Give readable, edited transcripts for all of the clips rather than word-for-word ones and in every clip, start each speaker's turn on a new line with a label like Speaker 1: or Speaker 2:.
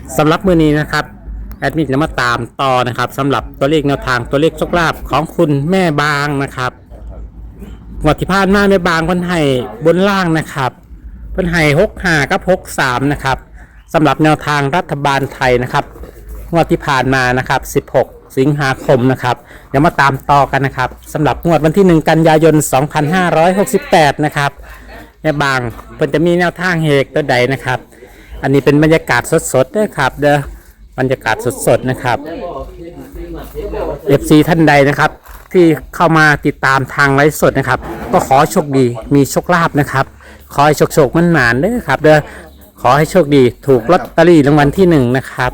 Speaker 1: สำหรับมื้อนี้นะครับแอดมินจะมาตามต่อนะครับสำหรับตัวเลขแนวทางตัวเลขโชคลาภของคุณแม่บางนะครับงวดที่ผ่านมาแม่บางเพิ่นให้บนล่างนะครับเพิ่นให้65กับ63นะครับสำหรับแนวทางรัฐบาลไทยนะครับงวดที่ผ่านมานะครับ16 สิงหาคมนะครับเดี๋ยวมาตามต่อกันนะครับสำหรับงวดวันที่1 กันยายน 2568นะครับแม่บางเพิ่นจะมีแนวทางเฮกตัวใดนะครับอันนี้เป็นบรรยากาศสดๆด้วยครับเด้อบรรยากาศสดๆนะครับ FC ท่านใดนะครับที่เข้ามาติดตามทางไลฟ์สดนะครับก็ขอโชคดีมีโชคลาภนะครับขอให้โชคมันหมานเด้อครับเด้อขอให้โชคดีถูกลอตเตอรี่รางวัลที่1นะครับ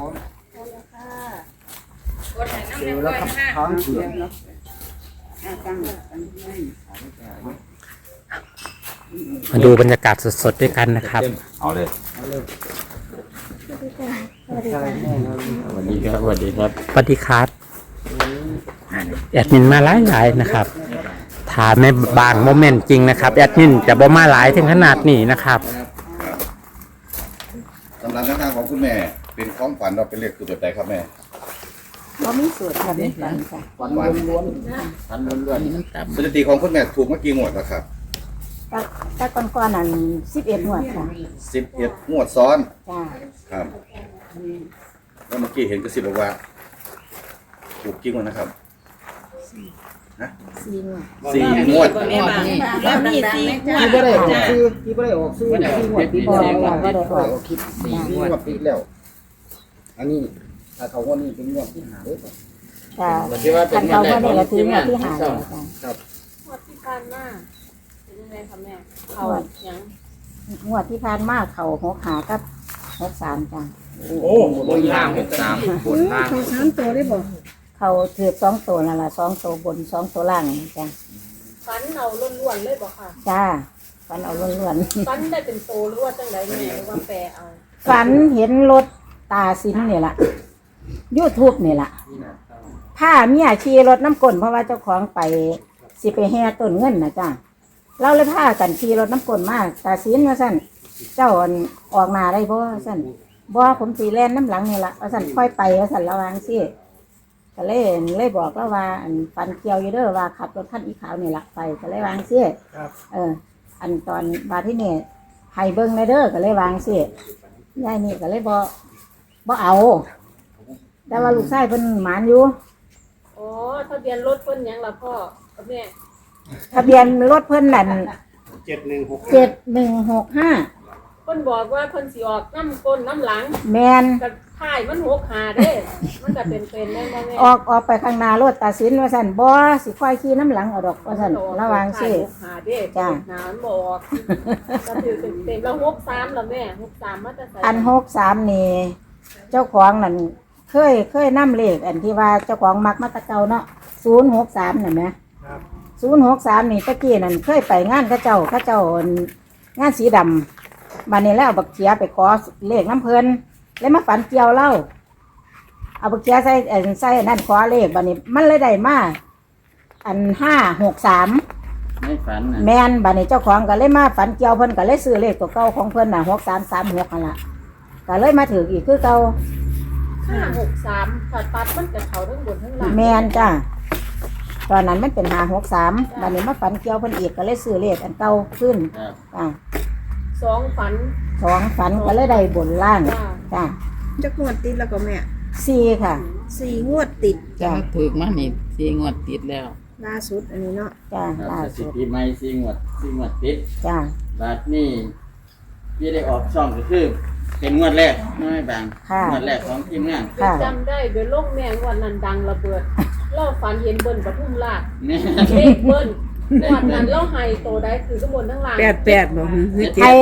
Speaker 1: มาดูบรรยากาศสดๆด้วยกันนะครับ
Speaker 2: เอาเลย
Speaker 1: สวัสดีครับ
Speaker 2: สวัสดีครับสวัสดีครับ
Speaker 1: สวัสดีครับแอดมินมาหลายนะครับถามในบางโมเมนต์จริงนะครับแอดมินจะบ่มาหลายถึงขนาดนี้นะครับ
Speaker 2: สำหรับแนวทางของคุณแม่เป็นของฝันเราเป็นเลขคือแบบใดครับแม่
Speaker 3: เรามีสูตรค่ะไม่ฝันค่ะ
Speaker 2: ฝันล้วนฝันล้วนสถิติของคุณแม่ถูกเมื่อกี้งวดแล้วครับ
Speaker 3: แต่ก่อนนั้น11 งวดค่ะ
Speaker 2: 11 งวดซ้อน
Speaker 3: จ้า
Speaker 2: ครับแล้วเมื่อกี้เห็นกระซิบบอกว่าถูกจริงวะนะครับฮะ
Speaker 3: 4 งวด
Speaker 2: 4 งวด
Speaker 4: แล้วมี4 งวด
Speaker 5: ที่ไม่ได้ออกซื้อที่ไม่ได้ออกซื้อ4 งวดติดแล้ว
Speaker 3: ก็ได้ออก
Speaker 5: คลิป4 งวดติดแล้วอันนี้ถ้าเขาว่านี่เป็นงวดที่5เลย
Speaker 3: จ้าอันเขาว่านี่ก็คืองวดที่5แล้วจ้า
Speaker 5: ครับ
Speaker 4: งวดที่ผ่านมาเป็นยังไงคะแม่เขายัง
Speaker 3: งวดที่ผ่านมาเขา6 5กับ63จ้า
Speaker 5: โอ้บนล่าง63บนล่าง
Speaker 3: เขา3ตัวได้บ่เขาถือ2ตัวนั่นล่ะ2ตัวบน2ตัวล่างจ้า
Speaker 4: ฟันเอาล้วนๆเลยบ่ค่ะ
Speaker 3: จ้าฝันเอาล้วน
Speaker 4: ๆฟันได้เป็นโตหรือว่าจังได๋แม่หรือว่าแปรเอา
Speaker 3: ฝันเห็นรถตาสินนี่ล่ะ YouTube นี่ล่ะถ้าเมียขี่รถน้ำก้นเพราะว่าเจ้าของไปสิไปแห่ต้นเงินนะจ้าเราเลยพากันขี่รถน้ำก้นมาตาสินว่าซั่นเจ้าออกหน้าได้บ่ว่าซั่นบ่ผมสิแล่นน้ำหลังนี่ล่ะว่าซั่นค่อยไปว่าซั่นระวังสิก็เลยบอกแล้วว่าปันเกี่ยวอยู่เด้อว่าขับรถคันอีขาวนี่ล่ะไปก็เลยวางสิอันตอนบาที่นี่ให้เบิ่งในเด้อก็เลยวางสิยายนี่ก็เลยบ่เอาแต่ว่าลูกชายเพิ่นหมานอยู่
Speaker 4: อ๋อทะเบียนรถเพิ่นหยังล่ะพ่อกับแม่
Speaker 3: ทะเบียนรถเพิ่นนั่น7165
Speaker 4: เพิ่นบอกว่าเพิ่นสิออกน้ำก้นน้ำหลัง
Speaker 3: แม่น
Speaker 4: ก็ท้ายมัน65เด้มันก็เป็นได้บ่แม่
Speaker 3: ออกไปข้างหน้ารถตัดสินว่าซั่นบ่สิค่อยขี่น้ำหลังเอาดอกว่าซั่นระวังสิ
Speaker 4: 65เด้จ้าหน้ามันบ่ออกก็ถือเต็มแล้ว63แล้วแม่63มาแต่ไส
Speaker 3: อัน63นี่เจ้าของนั่นเคยนำเลขอันที่ว่าเจ้าของมักมาตะเก่าเนาะ063นั่นแหม063นี่ตะกี้นั่นเคยไปงานเขาเจ้างานสีดำบัดนี้แล้วเอาบักเขียไปขอเลขน้ำเพิ่นแล้วมาฝันเกี่ยวเล่าเอาบักเขียใส่นั่นขอเลขบัดนี้มันเลยได้มาอัน563
Speaker 1: ไม่ฝัน
Speaker 3: แม่นบัดนี้เจ้าของก็เลยมาฝันเกี่ยวเพิ่นก็เลยซื้อเลขตัวเก่าของเพิ่นน่ะ6336นั่นล่ะก็เลยมาถืออีกคือเก่า
Speaker 4: 563ถ้าตัดมันจะเข้าทั้งบนทั้งล่าง
Speaker 3: แม่นจ้าตอนนั้นมันเป็น563บัดนี้มาฝันเกี่ยวเพิ่นอีกก็เลยซื้อเลขอันเก่าขึ้นจ้า
Speaker 4: 2ฝัน
Speaker 3: ก็เลยได้บนล่างจ้า
Speaker 6: จักงวดติดแล้วก็แม่
Speaker 3: 4ค่ะ
Speaker 6: 4 งวดติด
Speaker 3: จ้า
Speaker 5: ถูกมานี่4 งวดติดแล้ว
Speaker 6: ล่าสุดอันนี้เนาะ
Speaker 3: จ้าล่าสุด
Speaker 5: ปีใหม่4 งวดติด
Speaker 3: จ้า
Speaker 5: บาดนี้ที่ได้ออกช่องก็คือเป็นงวดแรกน้อยบางงวดแรกของทีมงาน
Speaker 4: จำได้เดี๋ยวโลกแม่งวันนั้นดังระเบิดเราฝันเห็นเบิ้ลปทุมราชเลขเบิ้ลวันนั้นเราให้โตได้คือข้างบนทั้งล่าง
Speaker 6: 88บ่
Speaker 3: ให้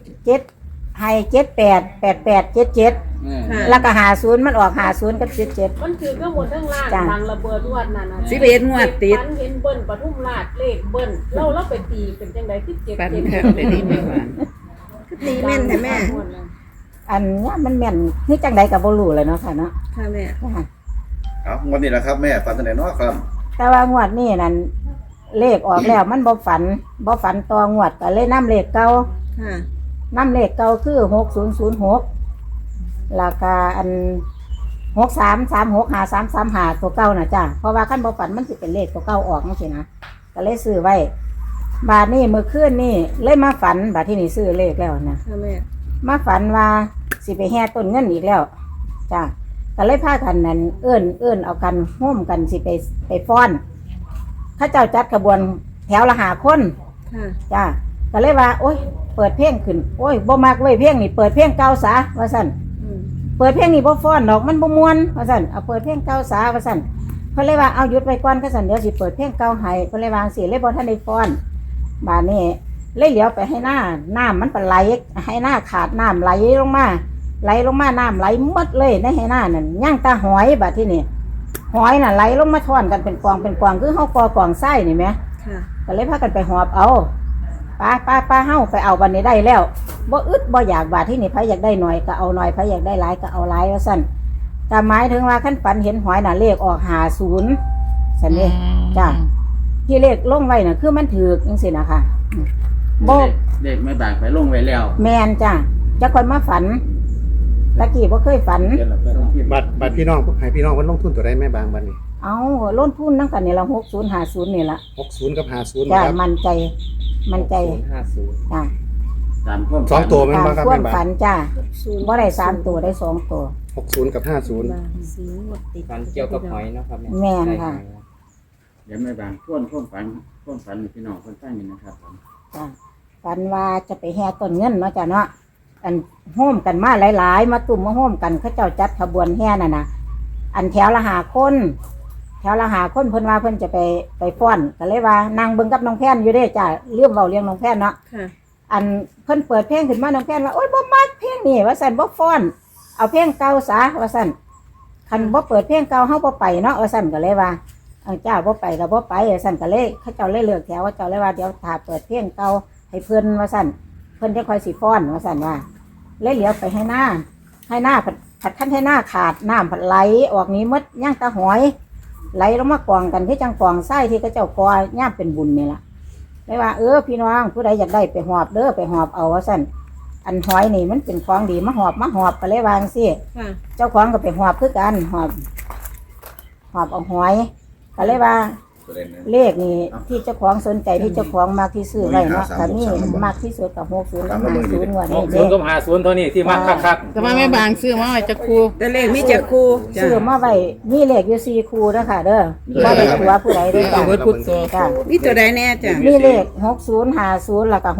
Speaker 3: 788877แล้วก็50มันออก50กับ77
Speaker 4: มันคือข้างบนทั้งล่างดังระเบิดวันนั้น
Speaker 6: 11 งวดติด
Speaker 4: ฝันเห็นเบิ้ลปทุมราชเลขเบิ้ลเราไปตีเป็นจังได๋คือ7
Speaker 6: ฝันไปดีแม่หวานคือตีแม่นแต่แม่
Speaker 3: อันนี้มันแม่นนี่จังใดกับบ่รู้เลยเนาะค่ะเนาะ
Speaker 6: ค่ะแม่
Speaker 2: เอางวดนี้แหละครับแม่ฝันตั้งแต่น้อยครับ
Speaker 3: แต่ว่างวดนี้นั่นเลขออกแล้วมันบ่ฝันต่องวดก็เลยนำเลขเก่า
Speaker 6: ค่ะ
Speaker 3: นำเลขเก่าคือ6006 แล้วก็อัน63365335ตัวเก่าน่ะจ้ะเพราะว่าคันบ่ฝันมันสิเป็นเลขตัวเก่าออกจังซี่นะก็เลยซื้อไว้บาดนี้มื้อคืนนี่เลยมาฝันบาดที่นี่ซื้อเลขแล้วนะ
Speaker 6: ค่ะแม่
Speaker 3: มาฝันว่าสิไปแห่ต้นเงินอีกแล้วจ้ะก็เลยพากันนั่นเอื้อนเอากันห่มกันสิไปฟ้อนเข้าเจ้าจัดขบวนแถวละ5 คน
Speaker 6: ค่ะ
Speaker 3: จ้ะก็เลยว่าโอ๊ยเปิดเพลงขึ้นโอ๊ยบ่มักเว้ยเพลงนี่เปิดเพลงเก่าซะว่าซั่น
Speaker 6: อืม
Speaker 3: เปิดเพลงนี่บ่ฟ้อนดอกมันบ่ม่วนว่าซั่นเอาเปิดเพลงเก่าซะว่าซั่นเพิ่นเลยว่าเอาหยุดไว้ก่อนก็ซั่นเดี๋ยวสิเปิดเพลงเก่าให้เพิ่นเลยวาจั่งสิเลยบ่ทันได้ฟ้อนบาดนี้เลยเหลียวไปให้หน้าน้ำมันปไหลให้หน้าขาดน้ำไหลลงมาน้ำไหลหมดเลยในให้หน้านั่นย่างตาหอยบาดที่นี่หอยน่ะไหลลงมาท่อนกันเป็นกองคือเฮากอกองไส้นี่แหม
Speaker 6: ค่ะ
Speaker 3: ก็เลยพากันไปหอบเอาป้าเฮาไปเอาวันนี้ได้แล้วบ่อึดบ่อยากบาดที่นี่ไผอยากได้หน่อยก็เอาหน่อยไผอยากได้หลายก็เอาหลายว่าซั่นแต่หมายถึงว่าคันฝันเห็นหอยน่ะเลขออก50ซั่นเด้จ้ะที่เลขลงไว้น่ะคือมันถูกจังซี่นะคะบ่
Speaker 5: เด็กไม่บางไปลงไว้แล้ว
Speaker 3: แม่นจ้ะจักคนมาฝันตะกี้บ่เคยฝัน
Speaker 7: บัตรพี่น้องให้พี่น้องเพิ่นลงทุนตัวใดแม่บางบัดนี้
Speaker 3: เอาลงทุนนำกันนี่ละ6050นี่ล่ะ
Speaker 7: 60กับ50
Speaker 3: จ้ะ
Speaker 7: นะครับ
Speaker 3: มั่นใจจ้ะ
Speaker 5: ตามความ
Speaker 7: สองตัวแม่น
Speaker 3: ตาม
Speaker 7: บ่ครับ
Speaker 3: ควา
Speaker 7: แม่
Speaker 3: ม
Speaker 7: บาง
Speaker 3: ฝันจ้ะบ่ได้3ตัวได้2ตัว
Speaker 7: 60กับ50
Speaker 6: บางสีหมดติด
Speaker 8: ฝันเกี่ยวกับหอยเนาะครับ
Speaker 3: แม่นค่ะ
Speaker 5: เดี๋ยวไม่บางท่วนฝันให้พี่น้องคนฟังนี่นะครับผม
Speaker 3: จ้ะฝันว่าจะไปแห่ต้นเงินเนาะจ้ะเนาะอันโฮมกันมาหลายๆมาตุ่มมาโฮมกันเขาเจ้าจัดขบวนแห่น่ะนะอันแถวละ5 คนเพิ่นว่าเพิ่นจะไปฟ้อนก็เลยว่านางเบิ่งกับน้องแพนอยู่เด้จ้ะเรื่องเว้าเรื่องน้องแพนเนาะ
Speaker 6: ค่ะ
Speaker 3: อันเพิ่นเปิดเพลงขึ้นมาน้องแพนว่าโอ๊ยบ่มักเพลงนี่ว่าซั่นบ่ฟ้อนเอาเพลงเก่าซะว่าซั่นคันบ่เปิดเพลงเก่าเฮาบ่ไปเนาะว่าซั่นก็เลยว่าเจ้าบ่ไปก็บ่ไปว่าซั่นก็เลยเขาเจ้าเลยเลือกแถวว่าเจ้าเลยว่าเดี๋ยวถ้าเปิดเพลงเก่าให้เพิ่นว่าซั่นเพิ่นจะค่อยสิฟ้อนว่าซั่นว่าเลยเหลียวไปให้หน้าผัดคั้นให้หน้าขาดน้ำผัดไหลออกนี้หมดย่างตาหอยไหลลงมากองกันที่จังกองไส้ที่เขาเจ้ากอย่ามเป็นบุญนี่ล่ะเลยว่าพี่น้องผู้ใดอยากได้ไปหอบเด้อไปหอบเอาว่าซั่นอันหอยนี่มันเป็นของดีมาหอบก็เลยวาจั่งซี่
Speaker 6: ค่ะ
Speaker 3: เจ้าของก็ไปหอบคือกันหอบเอาหอยก็เลยว่า
Speaker 2: ตัวเล่นนะ
Speaker 3: เลขนี่ที่เจ้าของสนใจที่เจ้าของมากที่ซื้อไว้เนาะแต่นี่มากที่สุดกับ60กับ50งวดนี้เด้
Speaker 1: 60กับ50เท่านี้ที่มักคัก
Speaker 8: แต่ว่าแม่บางซื้อมาไว้จะครู
Speaker 6: แต่เลขมีจักคู่จ้ะ
Speaker 3: ซื้อมาไว้มีเลขอยู่4คู่นะคะเด้อบ่ได้ตัวผู้ใดเด้อจ้ะ
Speaker 8: เอาไว้พุทธโธ
Speaker 3: จ้ะ
Speaker 6: มีตัวใดแน่จ้ะ
Speaker 3: มีเลข6050แล้วก็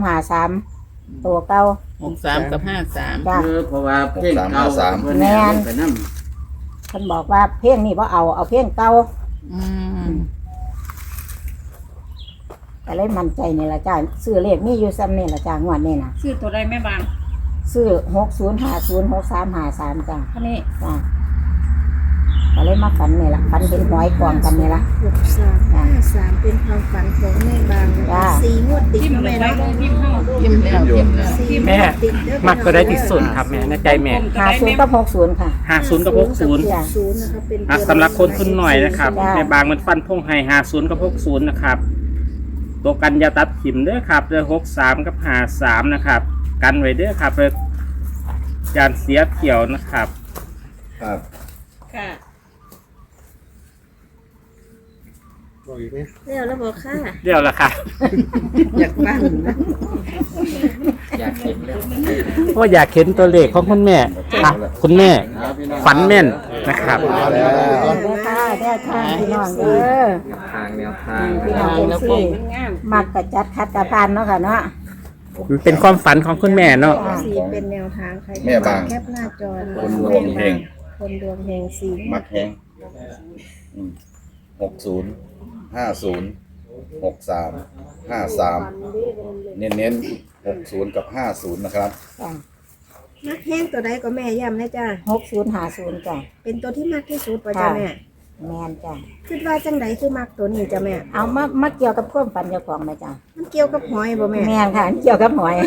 Speaker 3: 6353ตัวเก่า
Speaker 8: 63กับ53
Speaker 3: จ้ะ
Speaker 5: เพราะว่าเพลงเก่าเพิ่น
Speaker 3: แม่
Speaker 5: เอา
Speaker 3: น
Speaker 5: ไปนำ
Speaker 3: เพิ่นบอกว่าเพลงนี้บ่เอาเพลงเก่า
Speaker 8: อืม
Speaker 3: ก็เลยมั่นใจนี่ล่ะจ้ะซื้อเลขมีอยู่ซ้ำนี่ล่ะจ้ะงวดนี้น่ะ
Speaker 6: ชื่อตัวใดแม่บาง
Speaker 3: ซื้อ60506353จ้ะ
Speaker 6: ท่านี้
Speaker 3: จ้ะก็เลยมาฝันนี่ล่ะฝันเห็นหอยกองกันนี่ล่ะ
Speaker 6: 6353เป็นความฝันของแม่บาง
Speaker 3: จ้ะ
Speaker 6: สีงวดติดนะแม่เนาะ
Speaker 8: ยิ้มแล้วยิ้มแล้ว
Speaker 6: สี
Speaker 1: ๆ
Speaker 6: ง
Speaker 1: แม่
Speaker 6: วดติดเด้อ
Speaker 1: มักก็ได้ที่สุดครับแม่ในใจแม่
Speaker 3: 50กับ60ค่ะ
Speaker 1: 50กับ60
Speaker 3: จ้ะ
Speaker 6: ศูนย์นะคะเป็น
Speaker 1: สำหรับคนทุนหน่อยนะครับ
Speaker 3: จ้ะ
Speaker 1: ในบางมันฟันพงให้50กับ60นะครับตัวกันอยาตัดขิมเด้อครับเด้อ63กับ53นะครับกันไว้เด้อครับเด้อการเสียเที่ยวนะครับ
Speaker 2: ครับ
Speaker 6: ค่ะ
Speaker 7: บอกอีกไหม
Speaker 6: แล้วบอกค่ะ
Speaker 1: เดี๋ยวละค่ะ
Speaker 6: อยากบ้างนะ
Speaker 8: อยากเห็นเลย
Speaker 1: ว่าอยากเห็นตัวเลขของคุณแม่อ่ะคุณแม่ฝันแม่นนะครับ
Speaker 7: มาแล้ว
Speaker 3: เด้อค่ะเด้อค่ะพี่น้องเด้อ
Speaker 8: ทางแนวทาง
Speaker 3: พี่น้องเป็นสี่มักกะจัดคัดกะพานเนาะค่ะเนาะ
Speaker 1: มันเป็นความฝันของคุณแม่เนาะ
Speaker 6: สีเป็นแนวทางใคร
Speaker 2: แม่บาง
Speaker 6: แคปหน้าจอนะ
Speaker 2: คนดวงเฮง
Speaker 6: คนดวงเฮงสี
Speaker 2: มักแฮง60 50 63 53 เน้น60 กับ 50 นะครับ
Speaker 3: จ้ะ
Speaker 6: มักแห้งตัวใดก็แม่ย้ำนะจ้ะ
Speaker 3: 6050จ้ะ
Speaker 6: เป็นตัวที่มากที่สุดป่ะจ้ะแม่
Speaker 3: แม่นจ้ะ
Speaker 6: คิดว่าจังใดคือมักตัวนี้จ้ะแม่
Speaker 3: เอามาเกี่ยวกับความฝันเจ้าของไหมจ้ะ
Speaker 6: มันเกี่ยวกับหอยบ่แม่
Speaker 3: แม่นค่ะเกี่ยวกับหอย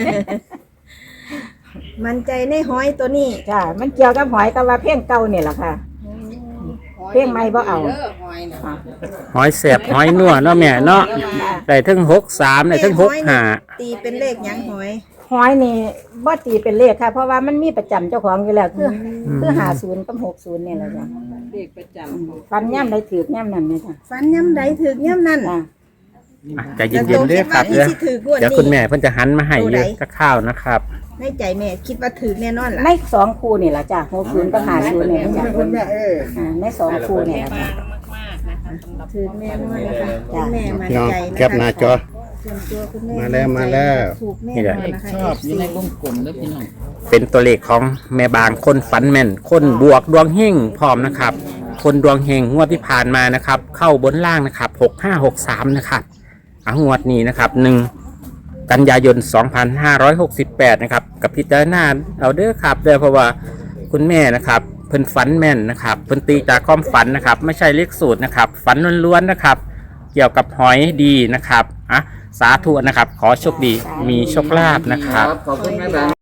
Speaker 6: มันใจในหอยตัวนี้
Speaker 3: จ้ะมันเกี่ยวกับหอยกับว่าเพลงเก่านี่แหละค่ะเพลงใหม่บ่เอาอ่ะ
Speaker 1: หอยแสบหอยนัวเนาะแม่เนาะได้ทั้ง63ได้ทั้ง65
Speaker 6: ตีเป็นเลขหยังหอย
Speaker 3: หอยนี่บ่ตีเป็นเลขค่ะ เพราะว่ามันมีประจำเจ้าของอยู่แล้วคือ50กับ60นี่แหละจ้ะ
Speaker 4: เด็กประจำ
Speaker 3: ฟันย่ำใดถือกย่ำนั้นเลยจ้ะ
Speaker 6: ฟันย่ำใดถึกย่ำนั่น
Speaker 3: จ้ะ
Speaker 1: อ่ะใจเย็นๆเด้อครับ
Speaker 6: แล้ว
Speaker 1: เด้อ
Speaker 6: คิดว่าอีสิถือกงวด
Speaker 1: เดี๋ยว
Speaker 6: นี้
Speaker 1: คุณแม่เพิ่นจะหันมาให้เยอะกับข้าวนะครับ
Speaker 6: ในใจแม่คิดว่าถือแน่นอนล่ะ
Speaker 3: ใน2คู่นี่ล่ะจ้ะ60กับ50นี่ล่ะจ้ะใน2คู่นี่ล่ะจ้ะ
Speaker 6: ถือแน่นอนนะคะ
Speaker 3: จ้ะ
Speaker 6: คุณแม่มั่น
Speaker 7: พี่น้อง
Speaker 6: ใจนะคะ
Speaker 7: แคปหน้าจอ
Speaker 6: ส่วนตัวคุณแม่
Speaker 7: มาแล้วมาแล้ว
Speaker 6: ถูกแน่
Speaker 1: นี่
Speaker 6: น
Speaker 1: แห
Speaker 6: อ
Speaker 1: ละ
Speaker 6: น
Speaker 8: เลข
Speaker 6: นะคะ
Speaker 8: ชอบอยู่ในวงกลมเด้อพี่น้อง
Speaker 1: เป็นตัวเลขของแม่บางคนฝันแม่น คนบวกดวงเฮงพร้อมนะครับ คนดวงเฮงงวดที่ผ่านมานะครับ เข้าบนล่างนะครับ6563นะครับงวดนี้นะครับ1กันยายน 2568นะครับกับพิจารณาเอาเด้อครับเด้อเพราะว่าคุณแม่นะครับเพิ่นฝันแม่นนะครับเพิ่นตีจากความฝันนะครับ ไม่ใช่เลขสูตรนะครับ ฝันล้วนๆนะครับ เกี่ยวกับหอยดีนะครับสาธุนะครับ ขอโชคดีมีโชคลาภนะครับ
Speaker 5: ขอบคุณแม่บาง